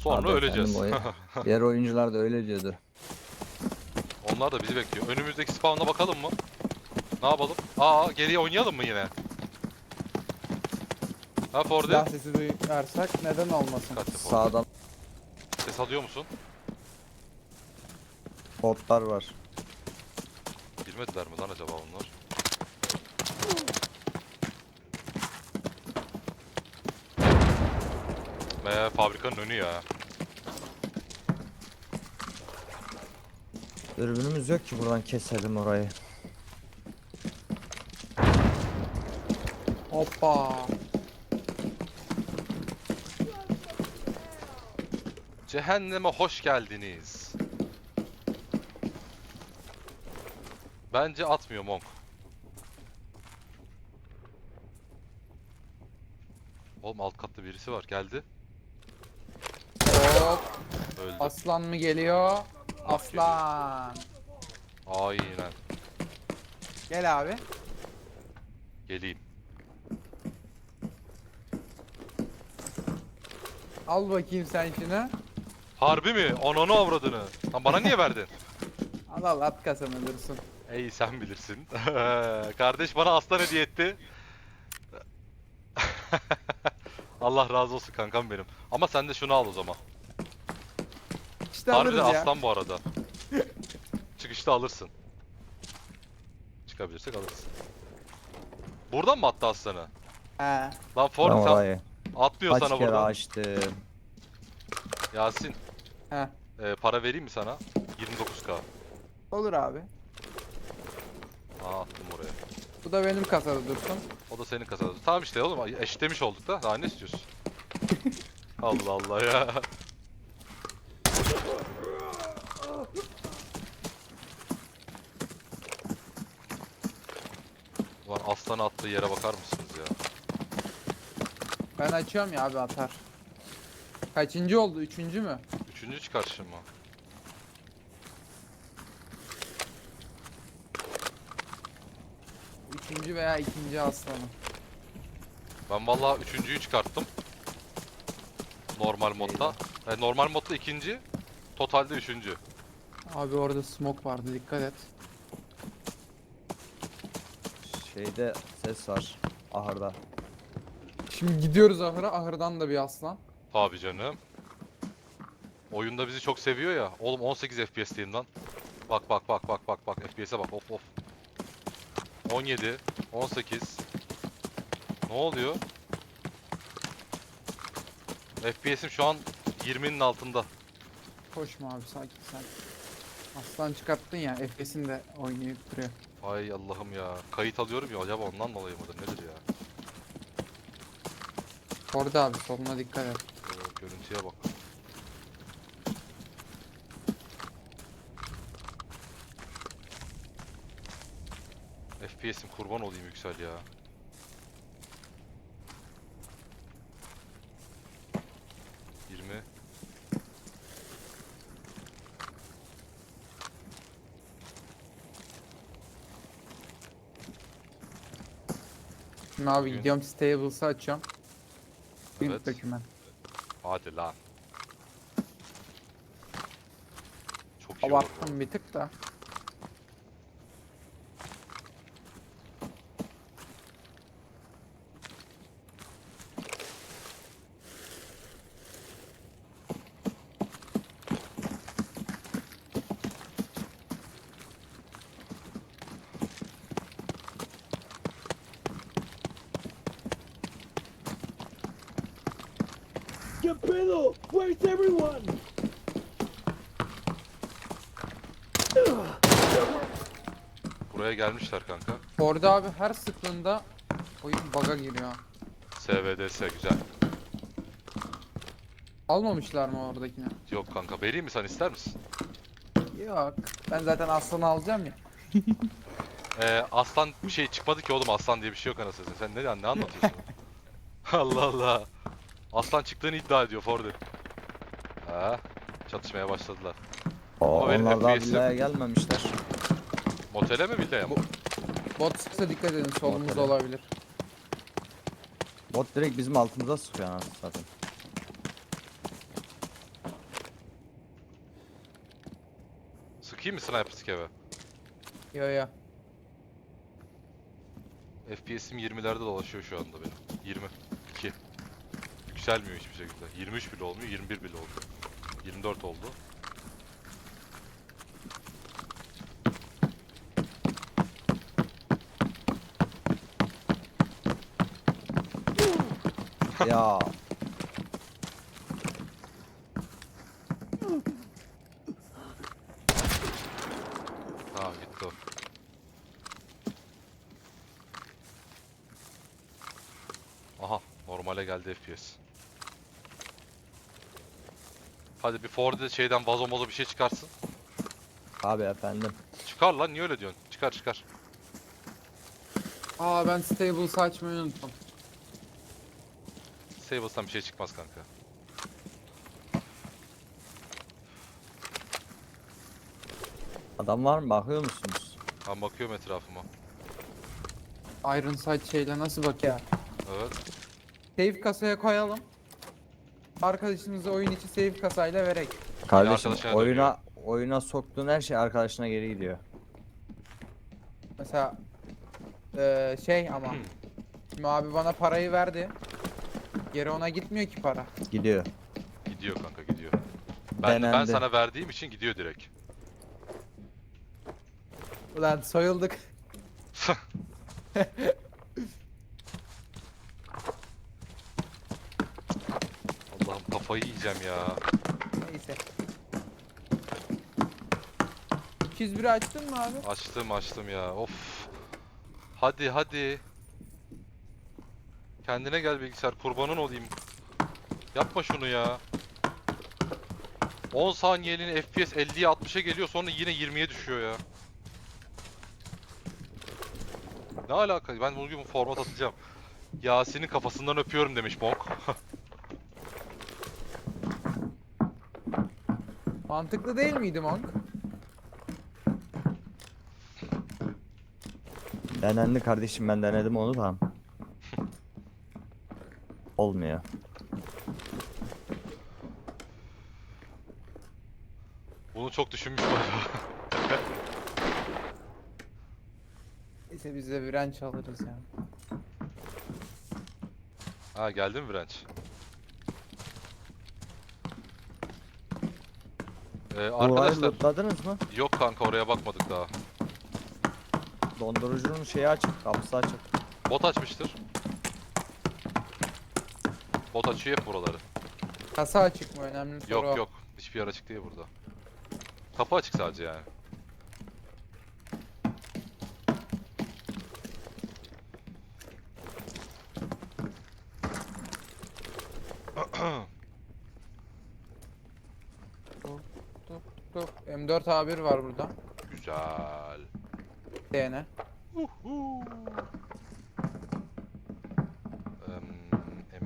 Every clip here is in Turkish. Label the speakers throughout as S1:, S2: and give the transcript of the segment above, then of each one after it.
S1: Sonra
S2: Abi
S1: öleceğiz.
S2: efendim diğer oyuncular da öyle diyordu.
S1: Onlar da bizi bekliyor. Önümüzdeki spawn'a bakalım mı? Ne yapalım? Aa, geriye oynayalım mı yine? Ha Fordi?
S3: Silah sesi duyarsak neden olmasın?
S1: Dikkatli Fordi.
S2: Sağdan
S1: Ses alıyor musun?
S2: botlar var.
S1: Girmediler mi lan acaba onlar? Fabrikanın önü ya.
S2: Dürbünümüz yok ki buradan keselim orayı.
S3: Hoppa.
S1: Cehenneme hoş geldiniz. Bence atmıyor Monk. Oğlum alt katta birisi var. Geldi.
S3: Hop.
S1: Öldü.
S3: Aslan mı geliyor? Aslan.
S1: Aynen.
S3: Gel abi.
S1: Geleyim.
S3: Al bakayım sen şunu.
S1: Harbi mi? Ananı avradını. Lan bana niye verdin?
S3: Al al at kasanı dursun.
S1: Ey sen bilirsin. Kardeş bana aslan hediye etti. Allah razı olsun kankam benim. Ama sen de şunu al o zaman.
S3: İşte
S1: Harbiden
S3: alırız ya.
S1: aslan bu arada. Çıkışta alırsın. Çıkabilirsek alırız. Buradan mı attı aslanı?
S3: He.
S1: Lan Ford
S2: Ben
S1: sen
S2: orayı
S1: atmıyor
S2: kaç
S1: sana
S2: kere
S1: buradan.
S2: açtım.
S1: Yasin,
S3: He.
S1: para vereyim mi sana? 29k.
S3: Olur abi.
S1: Attım oraya.
S3: Bu da benim kasada dursun.
S1: O da senin kasada. Tamam işte oğlum eşitlemiş olduk da. Daha ne istiyorsun? Allah Allah ya. Ulan aslan attığı yere bakar mısınız ya?
S3: Ben açıyorum ya abi atar. Kaçıncı oldu? Üçüncü mü?
S1: Üçüncü çıkarışım mı?
S3: Üçüncü veya ikinci aslanım.
S1: Ben vallahi üçüncüyü çıkarttım. Normal modda. Normal modda ikinci. Totalde üçüncü.
S3: Abi orada smoke vardı dikkat et.
S2: Şeyde ses var. Ahırda.
S3: Şimdi gidiyoruz ahıra. Ahırdan da bir aslan.
S1: Tabii canım. Oyunda bizi çok seviyor ya. Oğlum 18 FPS'teyim lan. Bak bak bak bak bak bak FPS'e bak of of. 17, 18. Ne oluyor? FPS'im şu an 20'nin altında.
S3: Koşma abi sakin sakin. Aslan çıkarttın ya FPS'in de oynayıp duruyor.
S1: Ay Allah'ım ya. Kayıt alıyorum ya acaba ondan dolayı mıdır nedir ya?
S3: Orada abi soluna dikkat et.
S1: Görüntüye bak. FPS'im kurban olayım Yüksel ya. Yirmi.
S3: Şimdi abi
S1: Bugün-
S3: gidiyorum stables'ı açıyorum.
S1: Evet.
S3: Evet. Doküman.
S1: Hadi lan. Çok iyi olur bu.
S3: Abarttım bir tık da.
S4: ¿Qué pedo? Where's everyone?
S1: Buraya gelmişler kanka.
S3: Orada abi her sıklığında oyun bug'a giriyor.
S1: SVDS güzel.
S3: Almamışlar mı oradakini?
S1: Yok kanka vereyim mi sen ister misin?
S3: Yok. Ben zaten aslanı alacağım ya.
S1: Aslan bir şey çıkmadı ki oğlum aslan diye bir şey yok anasını satayım. Sen ne anlatıyorsun? Allah Allah. Aslan çıktığını iddia ediyor Ford'un. Ha, çatışmaya başladılar. Ama benim
S2: Onlar daha
S1: FPS'im
S2: villaya gelmemişler.
S1: Motele mi villaya mı?
S3: Bot sıksa dikkat edin solumuzda
S2: Ortada.
S3: olabilir.
S2: Bot direkt bizim altımıza sıkıyor anasını zaten.
S1: Sıkayım mı sniper skeve?
S3: Yo yo.
S1: FPS'im 20'lerde dolaşıyor şu anda benim. 22. Yükselmiyor hiçbir şekilde. 23 bile olmuyor, 21 bile oldu. 24 oldu.
S2: Ya
S1: Tamam gitti o. Aha, normale geldi FPS. Hadi bir Ford'de şeyden vazo mozo bir şey çıkarsın.
S2: abi efendim.
S1: Çıkar lan, niye öyle diyorsun? Çıkar çıkar.
S3: Aa ben stables açmayı unuttum.
S1: Sables'tan bir şey çıkmaz kanka.
S2: Adam var mı, bakıyor musunuz?
S1: Ben bakıyorum etrafıma.
S3: Iron Sight şeyle nasıl bak ya.
S1: Evet.
S3: Save kasaya koyalım. Arkadaşımıza oyun içi save kasayla verek.
S2: Kardeşim
S1: arkadaşına
S2: oyuna soktuğun her şey arkadaşına geri gidiyor.
S3: Mesela şey ama şimdi abi bana parayı verdi. Geri ona gitmiyor ki para.
S2: Gidiyor.
S1: Gidiyor kanka, gidiyor. Ben
S2: Denendi.
S1: sana verdiğim için gidiyor direkt.
S3: Ulan soyulduk.
S1: Allah'ım kafayı yiyeceğim ya.
S3: Neyse. 201'i açtın mı abi?
S1: Açtım ya. Of. Hadi hadi. Kendine gel bilgisayar, kurbanın olayım. Yapma şunu ya. 10 saniyeliğine FPS 50'ye 60'a geliyor, sonra yine 20'ye düşüyor ya. Ne alaka? Ben bugün format atacağım. Yasin'in kafasından öpüyorum demiş Monk.
S3: Mantıklı değil miydi Monk?
S2: Denendi kardeşim, ben denedim onu da. Olmuyor.
S1: Bunu çok düşünmüş galiba.
S3: Neyse biz de bir wrench alırız ya.
S1: Ha, geldi mi Branch?
S2: Duvarı
S1: Arkadaşlar,
S2: lootladınız mı?
S1: yok kanka, oraya bakmadık daha.
S2: Dondurucunun şeyi açık, kapısı açık.
S1: Bot açmıştır. Bot açıyor hep buraları.
S3: Kasa açık mı? Önemli soru o.
S1: Yok yok, hiçbir yer açık değil burada. Kapı açık sadece yani.
S3: Dur. M4 A1 var burada.
S1: Güzel.
S3: DNA.
S1: Em,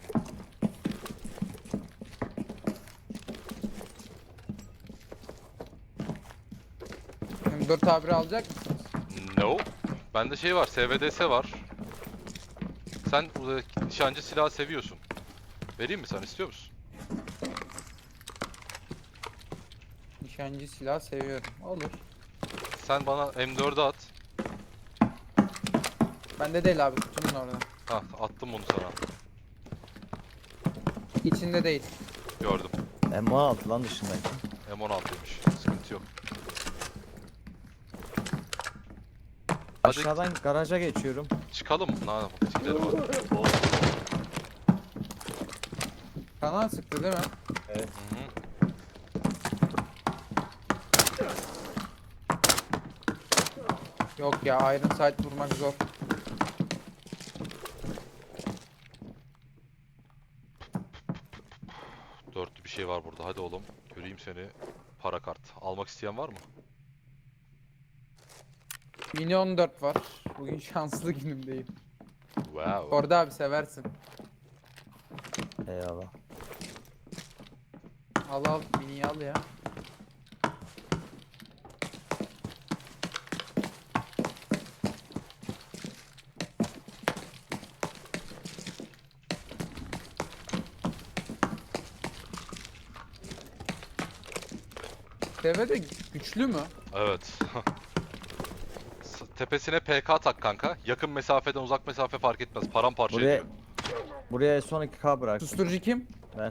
S3: M4 A1 alacak mısınız?
S1: No. Bende şey var, SVDS var. Sen nişancı silahı seviyorsun. Vereyim mi, sen istiyor musun?
S3: Nişancı silah seviyorum. Olur.
S1: Sen bana M4'ü at.
S3: Bende değil abi, kutunun orada.
S1: Ha, attım bunu sana.
S3: İçinde değil.
S1: Gördüm.
S2: M16 lan dışındaki.
S1: M16'ymış. Sıkıntı yok. Hadi
S2: Aşağıdan garaja geçiyorum.
S1: çıkalım. Ne yapalım? Gidelim hadi.
S3: Kanal sıktı değil mi?
S1: Hı hı.
S3: Yok ya, Iron Sight vurmak zor.
S1: Dörtlü bir şey var burada. Hadi oğlum. Göreyim seni. Para kart. Almak isteyen var mı?
S3: Mini 14 var. Bugün şanslı günümdeyim.
S1: Wow.
S3: Orada abi seversin.
S2: Eyvallah.
S3: Al mini'yi al ya. ATV de güçlü mü?
S1: Evet. Tepesine PK tak kanka. Yakın mesafeden uzak mesafe fark etmez. Paramparça
S2: Buraya
S1: ediyor.
S2: buraya S12K bırak.
S3: Susturucu kim?
S2: Ben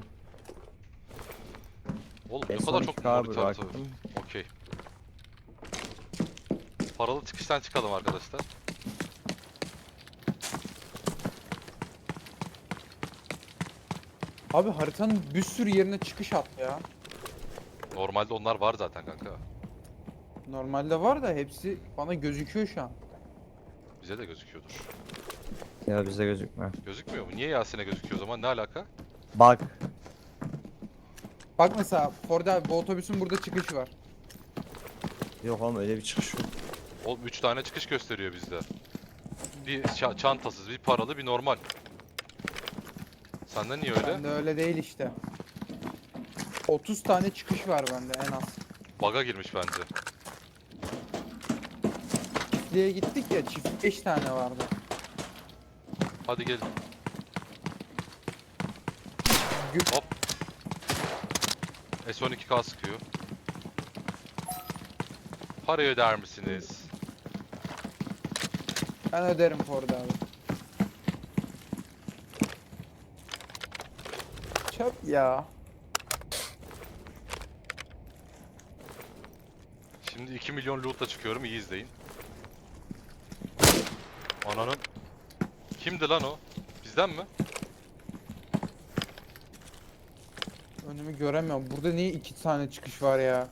S1: Oğlum ne kadar çok
S2: S12K
S1: monitör tabii.
S2: bıraktım.
S1: Okey. Paralı çıkıştan çıkalım arkadaşlar.
S3: Abi haritanın bir sürü yerine çıkış at ya.
S1: Normalde onlar var zaten kanka.
S3: Normalde var da hepsi bana gözüküyor şu an.
S1: Bize de gözüküyordur.
S2: Ya bize gözükmüyor.
S1: Gözükmüyor mu? Niye Yasin'e gözüküyor o zaman? Ne alaka?
S2: Bak.
S3: Bak mesela Ford abi bu otobüsün burada çıkışı var.
S2: Yok oğlum öyle bir çıkış yok.
S1: Oğlum 3 tane çıkış gösteriyor bizde. Bir çantasız, bir paralı, bir normal. Sende niye öyle?
S3: Bende öyle değil işte. 30 tane çıkış var bende en az.
S1: Baga girmiş bence.
S3: Çiftliğe gittik ya çift 5 tane vardı.
S1: Hadi gelin.
S3: Gü-
S1: Hop. S12K sıkıyor. Parayı öder misiniz?
S3: Ben öderim Ford abi. Çöp ya.
S1: Şimdi 2 milyon loot'la çıkıyorum. İyi izleyin. Ananın. Kimdi lan o? Bizden mi?
S3: Önümü göremiyorum. Burada niye 2 tane çıkış var ya?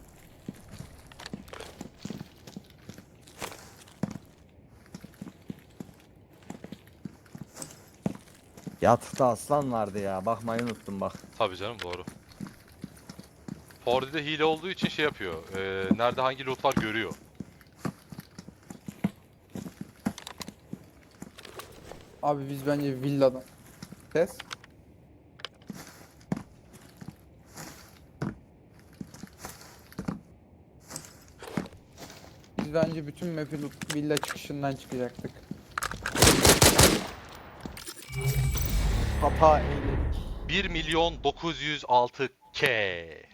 S2: Yatıkta aslan vardı ya. Bakmayı unuttum bak.
S1: Tabii canım doğru. Ford'de hile olduğu için şey yapıyor. Nerede hangi loot var görüyor.
S3: Abi biz bence villadan. Ses. Biz bence bütün map'i villa çıkışından çıkacaktık. Hata eyledik.
S1: 1.906.000